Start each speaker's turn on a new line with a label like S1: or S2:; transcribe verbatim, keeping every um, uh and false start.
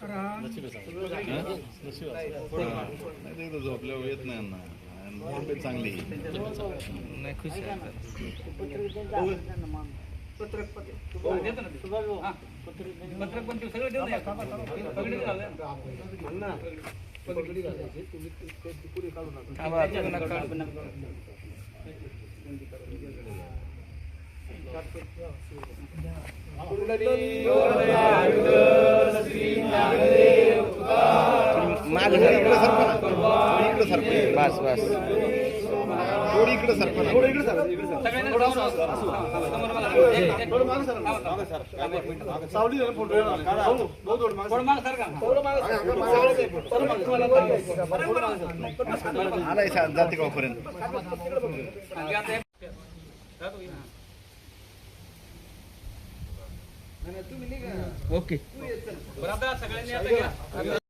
S1: झोपल्यावर येत नाही ना तब्येत चांगली
S2: नाही खुश आहे
S3: पत्रक पत्रक पण सगळं देऊ नये पगडी घालूया ना पगडी घालायची तुम्ही ते पुरी काढू नका
S2: बस बस
S1: थोडी इकडे सरपणा थोडी इकडे सर सावली फोटो आलाय जाते गावपर्यंत
S2: ओके
S3: सगळ्यांनी आता